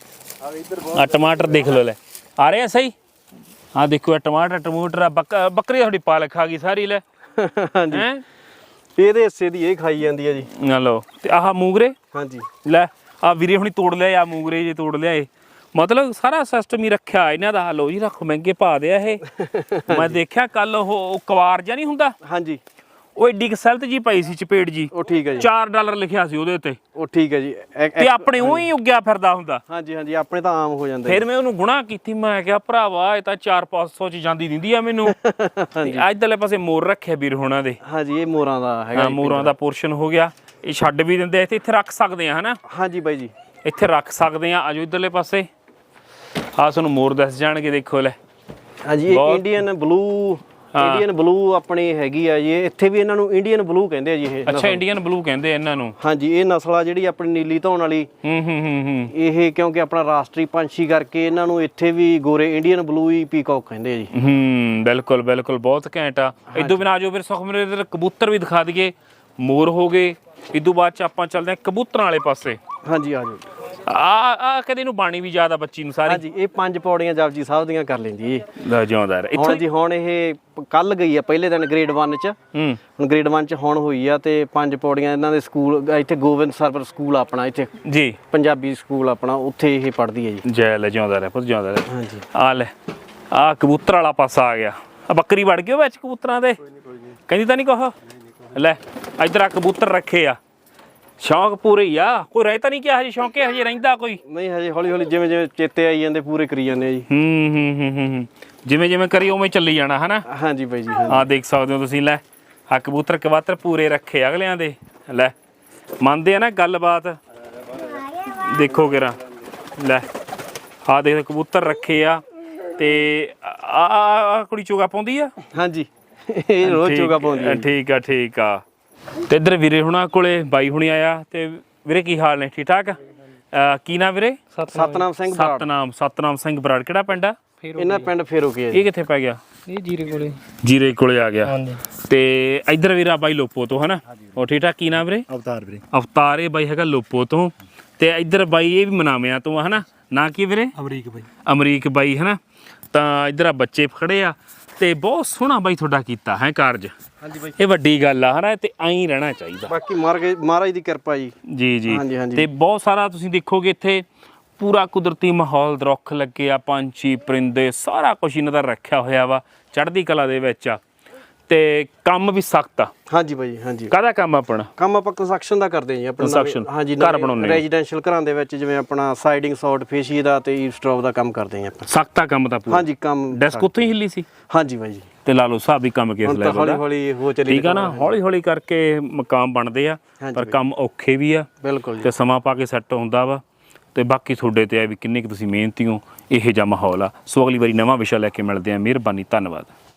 A: ਆ ਟਮਾਟਰ ਦੇਖ ਲਓ। ਲੈ ਆ ਰਹੇ ਆ ਸਹੀ। ਆ ਦੇਖੋ ਇਹ ਟਮਾਟਰ ਟਮੂਟਰ ਆ। ਬੱਕਰੀ ਤੁਹਾਡੀ ਪਾਲਕ ਖਾ ਗਈ ਸਾਰੀ। ਲੈ
B: ਹਾਂਜੀ
A: ਹੈ
B: ਇਹਦੇ ਹਿੱਸੇ ਦੀ ਇਹ ਖਾਈ ਜਾਂਦੀ ਹੈ ਜੀ।
A: ਨਾ ਲਓ ਤੇ ਆਹ ਮੂੰਗਰੇ।
B: ਹਾਂਜੀ
A: ਲੈ ਆ ਵੀਰੇ ਹੁਣੀ ਤੋੜ ਲਿਆ ਆ ਮੂੰਗਰੇ ਜੇ ਤੋੜ ਲਿਆ। ਮਤਲਬ ਸਾਰਾ ਸਿਸਟਮ ਹੀ ਰੱਖਿਆ ਇਹਨਾਂ ਦਾ। ਲਓ ਜੀ ਰੱਖੋ ਮਹਿੰਗੇ ਪਾ ਦਿਆ ਇਹ। ਮੈਂ ਦੇਖਿਆ ਕੱਲ ਉਹ ਕਵਾਰ ਜਿਹਾ ਨਹੀਂ ਹੁੰਦਾ,
B: ਹਾਂਜੀ
A: ਉਹ ਏਡੀ ਕਸਲਤ ਜੀ ਪਈ ਸੀ ਚਪੇੜ ਜੀ।
B: ਉਹ ਠੀਕ ਹੈ ਜੀ।
A: ਚਾਰ ਡਾਲਰ ਲਿਖਿਆ ਸੀ ਉਹਦੇ ਉੱਤੇ।
B: ਉਹ ਠੀਕ ਹੈ ਜੀ।
A: ਤੇ ਆਪਣੇ ਉਹ ਹੀ ਉੱਗਿਆ ਫਿਰਦਾ ਹੁੰਦਾ।
B: ਹਾਂਜੀ ਹਾਂਜੀ ਆਪਣੇ ਤਾਂ ਆਮ ਹੋ ਜਾਂਦਾ।
A: ਫਿਰ ਮੈਂ ਉਹਨੂੰ ਗੁਨਾਹ ਕੀਤੀ। ਮੈਂ ਕਿਹਾ ਭਰਾਵਾ ਇਹ ਤਾਂ ਚਾਰ ਪੰਜ ਸੌ ਚ ਜਾਂਦੀ ਦਿੰਦੀ ਆ ਮੈਨੂੰ। ਇੱਧਰਲੇ ਪਾਸੇ ਮੋਰ ਰੱਖਿਆ ਵੀਰ ਹੋਣਾ ਦੇ।
B: ਹਾਂਜੀ ਇਹ ਮੋਰਾਂ ਦਾ ਹੈਗਾ।
A: ਹਾਂ ਮੋਰਾਂ ਦਾ ਪੋਰਸ਼ਨ ਹੋ ਗਿਆ। ਇਹ ਛੱਡ ਵੀ ਦਿੰਦੇ ਇੱਥੇ ਇੱਥੇ ਰੱਖ ਸਕਦੇ ਆ ਹਨਾ।
B: ਹਾਂਜੀ ਬਾਈ ਜੀ
A: ਇੱਥੇ ਰੱਖ ਸਕਦੇ ਆ। ਆਜੋ ਇੱਧਰਲੇ ਪਾਸੇ ਆ ਤੁਹਾਨੂੰ ਮੋਰ ਦੱਸ ਜਾਣਗੇ। ਦੇਖੋ ਲੈ
B: ਹਾਂਜੀ ਇਹ ਇੰਡੀਅਨ ਬਲੂ। ਇੰਡੀਅਨ ਬਲੂ ਆਪਣੀ ਹੈਗੀ ਆ ਜੀ। ਇੱਥੇ ਵੀ ਇਹਨਾਂ ਨੂੰ ਇੰਡੀਅਨ ਬਲੂ ਕਹਿੰਦੇ ਆ ਜੀ ਇਹ।
A: ਅੱਛਾ ਇੰਡੀਅਨ ਬਲੂ ਕਹਿੰਦੇ ਇਹਨਾਂ ਨੂੰ।
B: ਹਾਂਜੀ ਇਹ ਨਸਲ ਆ ਜਿਹੜੀ ਆਪਣੀ ਨੀਲੀ ਧੌਣ ਵਾਲੀ।
A: ਹੂੰ ਹੂੰ ਹੂੰ ਹੂੰ
B: ਇਹ ਕਿਉਂਕਿ ਆਪਣਾ ਰਾਸ਼ਟਰੀ ਪੰਛੀ ਕਰਕੇ ਇਹਨਾਂ ਨੂੰ ਇੱਥੇ ਵੀ ਗੋਰੇ ਇੰਡੀਅਨ ਬਲੂ ਹੀ ਪੀਕੌਕ ਕਹਿੰਦੇ ਆ ਜੀ।
A: ਹੂੰ ਬਿਲਕੁਲ ਬਿਲਕੁਲ ਬਹੁਤ ਘੈਂਟ ਆ। ਇਦੋਂ ਬਿਨਾਂ ਆਜੋ ਫਿਰ ਸੁਖਮਨ ਦੇ ਕਬੂਤਰ ਵੀ ਦਿਖਾ ਦਈਏ। ਮੋਰ ਹੋ ਗਏ। ਇਦੋਂ ਬਾਅਦ ਚ ਆਪਾਂ ਚੱਲਦੇ ਆ ਕਬੂਤਰਾਂ ਵਾਲੇ ਪਾਸੇ।
B: ਹਾਂਜੀ ਆ ਜਾਓ।
A: ਆ ਆ ਕਦੇ ਨੂੰ ਬਾਣੀ ਵੀ ਜ਼ਿਆਦਾ ਬੱਚੀ ਨੂੰ ਸਾਰੀ।
B: ਹਾਂਜੀ ਇਹ ਪੰਜ ਪੌੜੀਆਂ ਜਪਜੀ ਸਾਹਿਬ ਦੀਆਂ ਕਰ ਲੈਂਦੀ ਇਹ।
A: ਲੈ ਜਿਉਂਦਾ ਰਹਿ।
B: ਹੁਣ ਜੀ ਹੁਣ ਇਹ ਕੱਲ ਗਈ ਆ ਪਹਿਲੇ ਦਿਨ ਗ੍ਰੇਡ ਵਨ ਚ।
A: ਹੂੰ
B: ਹੁਣ ਗ੍ਰੇਡ ਵਨ ਚ ਹੁਣ ਹੋਈ ਆ ਤੇ ਪੰਜ ਪੌੜੀਆਂ ਇਹਨਾਂ ਦੇ ਸਕੂਲ ਇੱਥੇ ਗੋਬਿੰਦ ਸਰਵਰ ਸਕੂਲ ਆਪਣਾ ਇੱਥੇ
A: ਜੀ
B: ਪੰਜਾਬੀ ਸਕੂਲ ਆਪਣਾ ਉੱਥੇ ਇਹ ਪੜ੍ਹਦੀ ਹੈ ਜੀ।
A: ਜੈ ਲੈ ਜਿਉਂਦਾ ਰਹਿ ਪੁੱਤ ਜਿਉਂਦਾ ਰਹਿ।
B: ਹਾਂਜੀ
A: ਆ ਲੈ ਆ ਕਬੂਤਰ ਵਾਲਾ ਪਾਸਾ ਆ ਗਿਆ। ਆ ਬੱਕਰੀ ਵੜ ਗਈ ਵਿੱਚ ਕਬੂਤਰਾਂ ਦੇ। ਕਹਿੰਦੀ ਤਾਂ ਨਹੀਂ ਕੁਛ। ਲੈ ਇੱਧਰ ਆ ਕਬੂਤਰ ਰੱਖੇ ਆ। ਸ਼ੌਂਕ ਪੂਰੇ ਹੀ ਆ। ਕੋਈ ਰਹਿ ਤਾਂ ਨਹੀਂ ਕਿਹਾ ਹਜੇ ਸ਼ੌਂਕੇ ਹਜੇ ਰਹਿੰਦਾ ਕੋਈ
B: ਨਹੀਂ ਹਜੇ ਹੌਲੀ ਹੌਲੀ ਜਿਵੇਂ ਜਿਵੇਂ ਚੇਤੇ ਆਈ ਜਾਂਦੇ ਪੂਰੇ ਕਰੀ ਜਾਂਦੇ ਆ ਜੀ।
A: ਹੂੰ ਹੂੰ ਹੂੰ ਹੂੰ ਜਿਵੇਂ ਜਿਵੇਂ ਕਰੀ ਉਵੇਂ ਚੱਲੀ ਜਾਣਾ ਹਨਾ।
B: ਹਾਂਜੀ ਬਾਈ ਜੀ
A: ਆ ਦੇਖ ਸਕਦੇ ਹੋ ਤੁਸੀਂ। ਲੈ ਆ ਕਬੂਤਰ ਕਵਾਤਰ ਪੂਰੇ ਰੱਖੇ ਅਗਲਿਆਂ ਦੇ ਲੈ ਮੰਨਦੇ ਆ ਨਾ ਗੱਲਬਾਤ। ਦੇਖੋ ਕਿਰਾ ਲੈ ਆ ਦੇਖ ਕਬੂਤਰ ਰੱਖੇ ਆ ਤੇ ਆ ਆ ਕੁੜੀ ਚੋਗਾ ਪਾਉਂਦੀ ਆ।
B: ਹਾਂਜੀ ਇਹ ਰੋਜ਼ ਚੋਗਾ ਪਾਉਂਦੀ ਆ।
A: ਠੀਕ ਆ ਠੀਕ ਆ। ਤੇ ਇੱਧਰ ਵੀਰੇ ਹੁਣਾਂ ਕੋਲੇ ਬਾਈ ਹੁਣੀ ਆਇਆ। ਤੇ ਵੀਰੇ ਕੀ ਹਾਲ ਨੇ? ਠੀਕ ਠਾਕ। ਕੀ ਨਾਮ ਵੀਰੇ?
B: ਸਤਨਾਮ ਸਿੰਘ ਬਰਾੜ।
A: ਸਤਨਾਮ ਸਤਨਾਮ ਸਿੰਘ ਬਰਾੜ। ਕਿਹੜਾ ਪਿੰਡ ਆ?
B: ਇਹਨਾਂ ਪਿੰਡ ਫੇਰੋ ਕੀ ਹੈ
A: ਇਹ ਕਿੱਥੇ ਪੈ ਗਿਆ?
D: ਇਹ ਜੀਰੇ ਕੋਲੇ।
A: ਜੀਰੇ ਕੋਲੇ ਆ ਗਿਆ।
D: ਹਾਂਜੀ।
A: ਤੇ ਇੱਧਰ ਵੀਰਾ ਬਾਈ ਲੋਪੋ ਤੋਂ ਹਨਾ। ਉਹ ਠੀਕ ਠਾਕ। ਕੀ ਨਾਮ ਵੀਰੇ?
C: ਅਵਤਾਰ ਵੀਰੇ।
A: ਅਵਤਾਰ ਇਹ ਬਾਈ ਹੈਗਾ ਲੋਪੋ ਤੋਂ। ਤੇ ਇੱਧਰ ਬਾਈ ਇਹ ਵੀ ਮਨਾਵਿਆਂ ਤੋਂ ਹਨਾ। ਨਾ ਕੀ ਵੀਰੇ?
D: ਅਮਰੀਕ ਬਾਈ।
A: ਅਮਰੀਕ ਬਾਈ ਹਨਾ। ਤਾਂ ਇੱਧਰ ਆ ਬੱਚੇ ਖੜੇ ਆ ਤੇ ਬਹੁਤ ਸੋਹਣਾ ਬਾਈ ਤੁਹਾਡਾ ਕੀਤਾ ਹੈ ਕਾਰਜ।
B: ਹਾਂਜੀ ਬਾਈ
A: ਇਹ ਵੱਡੀ ਗੱਲ ਆ ਹਨਾ। ਤੇ ਐਂ ਰਹਿਣਾ ਚਾਹੀਦਾ।
B: ਬਾਕੀ ਮਹਾਰਾਜ ਦੀ ਕਿਰਪਾ ਜੀ।
A: ਜੀ ਜੀ।
B: ਹਾਂਜੀ, ਹਾਂਜੀ।
A: ਤੇ ਬਹੁਤ ਸਾਰਾ ਤੁਸੀਂ ਦੇਖੋਗੇ ਇੱਥੇ ਪੂਰਾ ਕੁਦਰਤੀ ਮਾਹੌਲ, ਦਰੁੱਖ ਲੱਗੇ ਆ, ਪੰਛੀ ਪਰਿੰਦੇ ਸਾਰਾ ਕੁਝ ਇਹਨਾਂ ਦਾ ਰੱਖਿਆ ਹੋਇਆ ਵਾ, ਚੜ੍ਹਦੀ ਕਲਾ ਦੇ ਵਿੱਚ ਆ। ਤੇ ਕੰਮ ਵੀ ਸਖਤ ਆ।
B: ਹਾਂਜੀ ਬਾਈ ਹਾਂਜੀ।
A: ਕਾਹਦਾ ਕੰਮ ਆਪਣਾ?
B: ਕੰਮ ਆਪਾਂ ਕੰਸਟਰਕਸ਼ਨ ਦਾ ਕਰਦੇ ਹਾਂ ਜੀ। ਆਪਣਾ
A: Construction,
B: ਹਾਂਜੀ
A: ਘਰ ਬਣਾਉਂਦੇ ਆ।
B: ਰੈਜ਼ੀਡੈਂਸ਼ੀਅਲ ਘਰਾਂ ਦੇ ਵਿੱਚ ਜਿਵੇਂ ਆਪਣਾ ਸਾਈਡਿੰਗ ਸੌਟ ਫੇਸ਼ੀ ਦਾ ਤੇ ਈਵਸਟ੍ਰੌਪ ਦਾ ਕੰਮ ਕਰਦੇ ਹਾਂ ਆਪਾਂ।
A: ਸਖਤ ਆ ਕੰਮ ਤਾਂ ਪੂਰਾ।
B: ਹਾਂਜੀ ਕੰਮ
A: ਡੈਸਕ ਉੱਥੇ ਹੀ ਹਿੱਲੀ ਸੀ।
B: ਹਾਂਜੀ ਬਾਈ ਜੀ।
A: ਤੇ ਲਾ ਲਓ ਸਾਹਿਬ ਵੀ ਕੰਮ ਕਿਸ
B: ਹੁਣ ਤਾਂ
A: ਲੈਵਲ
B: ਹੌਲੀ
A: ਦਾ।
B: ਹੌਲੀ ਹੋ ਚੱਲੀ।
A: ਠੀਕ ਆ ਨਾ। ਹੌਲੀ ਹੌਲੀ ਕਰਕੇ ਮਕਾਮ ਬਣਦੇ ਆ ਪਰ ਕੰਮ ਔਖੇ ਵੀ ਆ।
B: ਬਿਲਕੁਲ ਜੀ।
A: ਤੇ ਸਮਾਂ ਪਾ ਕੇ ਸੈੱਟ ਹੁੰਦਾ ਵਾ। ਤੇ ਬਾਕੀ ਤੁਹਾਡੇ ਤੇ ਆ ਵੀ ਕਿੰਨੇ ਕੁ ਤੁਸੀਂ ਮਿਹਨਤੀ ਹੋ। ਇਹੋ ਜਿਹਾ ਮਾਹੌਲ ਆ। ਸੋ ਅਗਲੀ ਵਾਰੀ ਨਵਾਂ ਵਿਸ਼ਾ ਲੈ ਕੇ ਮਿਲਦੇ ਆ। ਮਿਹਰਬਾਨੀ, ਧੰਨਵਾਦ।